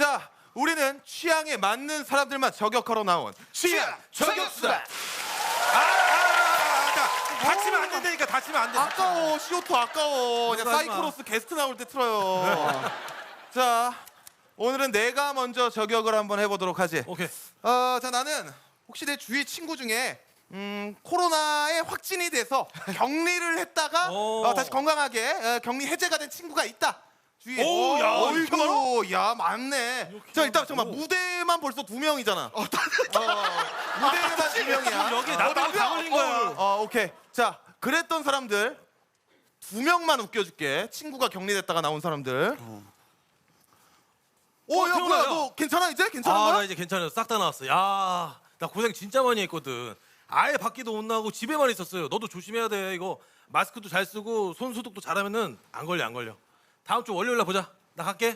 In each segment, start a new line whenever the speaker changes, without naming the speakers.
자, 우리는 취향에 맞는 사람들만 저격하러 나온 취향 저격수다.
다치면 안 된다니까. 다치면 안 돼.
아까워, CO2 아까워. 그냥 사이코로스 게스트 나올 때 틀어요. 자, 오늘은 내가 먼저 저격을 한번 해보도록 하지.
오케이.
자, 나는 혹시 내 주위 친구 중에 코로나에 확진이 돼서 격리를 했다가 다시 건강하게 격리 해제가 된 친구가 있다. 주위에.
오, 야,
어이구, 야, 많네. 자, 일단 잠깐만, 무대만 벌써 2명이잖아. 무대만 2명이야.
여기 나도 다 걸린 거야.
오케이. 자, 그랬던 사람들 2명만 웃겨줄게. 친구가 격리됐다가 나온 사람들. 야,
태훈아,
뭐야,
야.
너 괜찮아 이제? 괜찮은
나
거야?
이제 괜찮아요. 싹 다 나왔어. 야, 나 고생 진짜 많이 했거든. 아예 밖에도 못 나가고 집에만 있었어요. 너도 조심해야 돼. 이거 마스크도 잘 쓰고 손 소독도 잘하면은 안 걸려. 다음 주 월요일 날 보자. 나 갈게.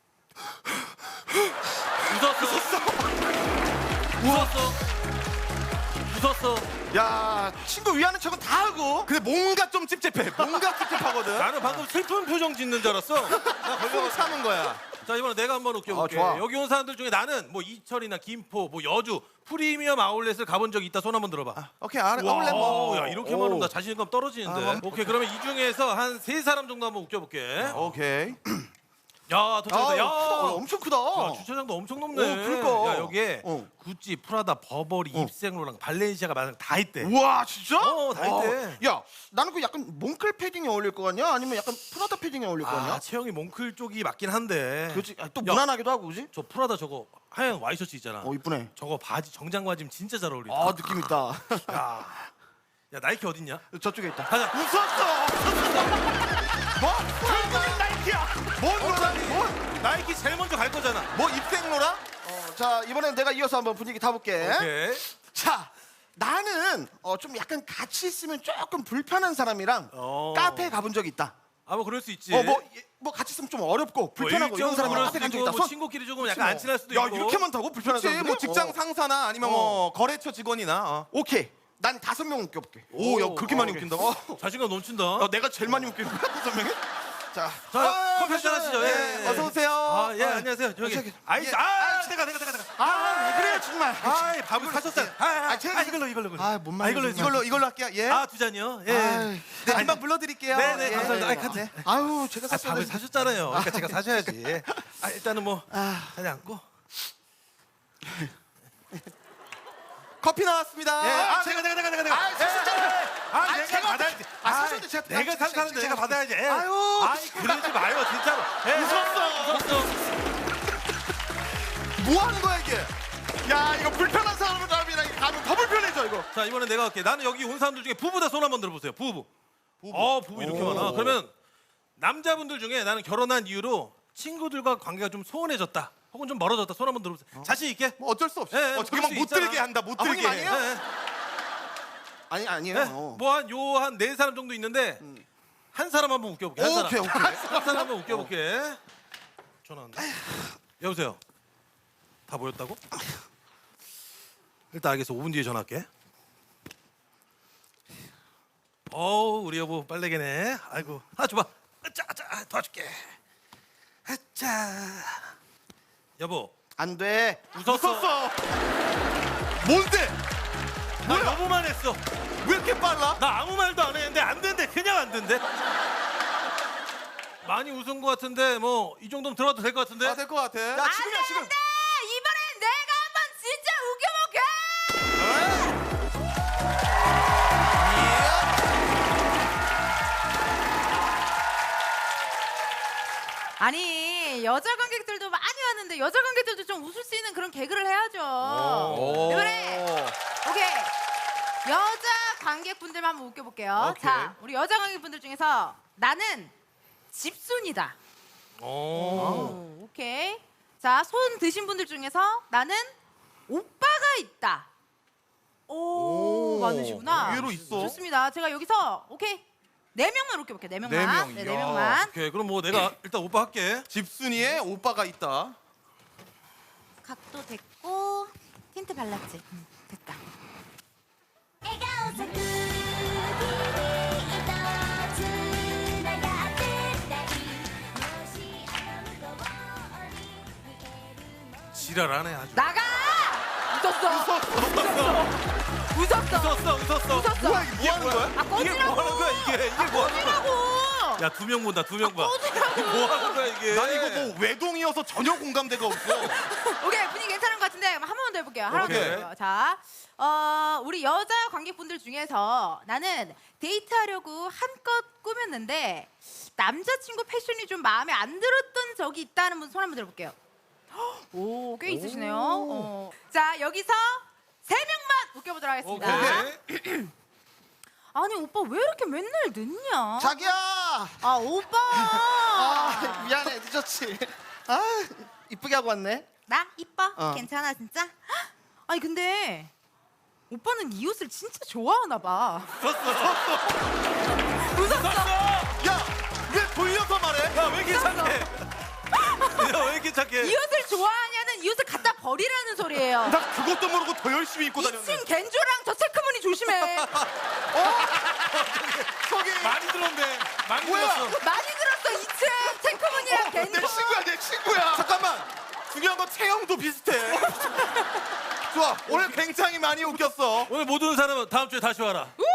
웃었어.
야, 친구 위하는 척은 다 하고.
근데 뭔가 좀 찝찝해. 뭔가 찝찝하거든.
나는 방금 슬픈 표정 짓는 줄 알았어. 나
숨 참은 거야.
자, 이번에 내가 한번 웃겨볼게.
좋아.
여기 온 사람들 중에 나는 뭐 이철이나 김포, 뭐 여주 프리미엄 아울렛을 가본 적이 있다. 손 한번 들어봐.
오케이, 아울렛 뭐.
야, 이렇게 말하면 나 자신감 떨어지는데. 오케이, 그러면 이 중에서 한 3사람 정도 한번 웃겨볼게.
오케이.
야, 도착했다. 야,
엄청 크다.
야, 주차장도 엄청 높네.
그러니까.
야, 여기에 구찌, 프라다, 버버리, 입생로랑 발렌시아가 다 있대.
우와, 진짜?
다 있대.
야, 나는 그 약간 몽클 패딩에 어울릴 거 같냐? 아니면 약간 프라다 패딩에 어울릴 거 같냐?
체형이 몽클 쪽이 맞긴 한데.
그렇지. 또
야,
무난하기도 하고, 그지?
저 프라다 저거 하얀 와이셔츠 있잖아.
이쁘네.
저거 바지 정장 바지면 진짜 잘 어울린다.
아, 느낌 있다.
야, 나이키 어딨냐?
저쪽에 있다.
가자.
웃었어. 뭐? 결국엔 나이키야. 뭔 거라니?
나이키 제일 먼저 갈 거잖아.
뭐 입생로라?
자, 이번엔 내가 이어서 한번 분위기 타볼게.
오케이.
자, 나는 좀 약간 같이 있으면 조금 불편한 사람이랑 카페에 가본 적이 있다.
뭐 그럴 수 있지.
뭐 같이 있으면 좀 어렵고 불편하고 이런 사람이랑 카페 간 적이 있다.
뭐 친구끼리 조금 약간 안 친할 수도 있고.
야, 이렇게 많다고? 불편한
그렇지,
사람들?
뭐 직장 상사나 아니면 뭐 거래처 직원이나.
오케이. 난 5명 웃겨볼게.
오, 야, 그렇게 많이 웃긴다고?
자신감 넘친다.
내가 제일 많이 웃기는 거야, 5명이? 자,
자, 커피 한잔 하시죠. 예.
어서 오세요.
예, 안녕하세요. 저기.
저기.
아이스. 내가.
왜 그래요, 정말?
밥을 사셨어요. 이걸로.
뭔 말이야.
이걸로 할게요. 예.
2잔이요. 예.
아이,
네, 금방 불러드릴게요.
네,
예.
감사합니다. 카드.
아유, 제가 샀어야
밥을
돼.
사셨잖아요. 그러니까 제가 사셔야지. 일단은 뭐 자리 앉고.
커피 나왔습니다.
제가.
사셨잖아요.
내가 받아야지.
사셨는데 제가
내가 산 사는데 내가 받아야지.
아유,
그러지 마요, 진짜로. 웃었어.
뭐 하는 거야 이게?
야, 이거 불편한 사람이랑 가면 더 불편해져, 이거.
자, 이번에 내가 할게. 나는 여기 온 사람들 중에 부부다 손 한번 들어보세요. 부부 이렇게 많아. 그러면 남자분들 중에 나는 결혼한 이후로 친구들과 관계가 좀 소원해졌다. 혹은 좀 멀어졌다. 손 한번 들어보세요. 자신 있게.
뭐 어쩔 수 없이.
예,
저기
그럴
막
수
못
있잖아.
들게 한다. 못 들게.
형님 아니에요?
예,
아니에요.
뭐 한 4사람 정도 있는데 한 사람 한번 웃겨볼게. 한 사람.
오케이.
한 사람 한번 웃겨볼게. 전화 온다. 여보세요. 다 모였다고? 일단 알겠어. 5분 뒤에 전화할게. 우리 여보 빨래개네. 아이고. 줘봐. 자, 도와줄게. 자. 여보.
안 돼.
웃었어.
뭔데?
나 여보만 했어.
왜 이렇게 빨라?
나 아무 말도 안 했는데 안 된대. 그냥 안 된대. 많이 웃은 것 같은데 뭐 이 정도면 들어가도 될 것 같은데.
될 것 같아.
야, 지금이야, 지금.
이번엔 내가 한번 진짜 웃겨볼게. 아니 여자 관객들도 많이 왔는데 여자 관객들도 좀 웃을 수 있는 그런 개그를 해야죠. 이번에 오케이 여자 관객분들만 한번 웃겨볼게요.
오케이.
자, 우리 여자 관객분들 중에서 나는 집순이다. 오케이. 자, 손 드신 분들 중에서 나는 오빠가 있다. 많으시구나.
의외로 있어.
좋습니다. 제가 여기서 오케이 4명만 웃겨볼게요. 4명만.
네 명.
네,
이야.
4명만.
오케이. 그럼 뭐 내가 일단 오빠 할게.
집순이에 오빠가 있다.
각도 됐고 틴트 발랐지. 됐다.
지랄하네 아주.
나가! 웃었어. 웃었어.
뭐야
뭐 하는 거야?
아,
이게
꺼지라고.
뭐 하는 거야 이게 뭐 하는 거야?
꺼지라고.
야 2명 본다 2명 봐.
꺼지라고.
뭐 하는 거야 이게?
난 이거 뭐 외동이어서 전혀 공감대가 없어.
오케이, 분위기 괜찮은 것 같은데 한 번 더 해볼게요. 하나 더
오케이.
해볼게요. 자, 우리 여자 관객분들 중에서 나는 데이트하려고 한껏 꾸몄는데 남자친구 패션이 좀 마음에 안 들었던 적이 있다는 분 손 한번 들어볼게요. 오, 꽤 있으시네요. 자, 여기서 3명만 웃겨보도록 하겠습니다.
오케이.
아니, 오빠 왜 이렇게 맨날 늦냐?
자기야.
아, 오빠.
아 미안해 늦었지. 아 이쁘게 하고 왔네.
나 이뻐?
어.
괜찮아 진짜? 헉! 아니 근데 오빠는 이 옷을 진짜 좋아하나 봐. 웃었어.
야, 왜 돌려서 말해?
야 왜 이렇게 착해? 야왜 이렇게 착해?
이 옷을 좋아하냐는 이 옷을 갖다 버리라는 소리예요.
나 그것도 모르고 더 열심히 입고 다녔네.
2층 겐조랑 저 체크무늬 조심해.
저기
많이 들었네. 많이
뭐야?
들었어.
많이 들었어. 2층 체크무늬랑 겐조.
내 친구야, 내 친구야. 잠깐만. 중요한 건 체형도 비슷해. 좋아, 오늘 굉장히 많이 웃겼어.
오늘 못 오는 사람은 다음 주에 다시 와라.
우!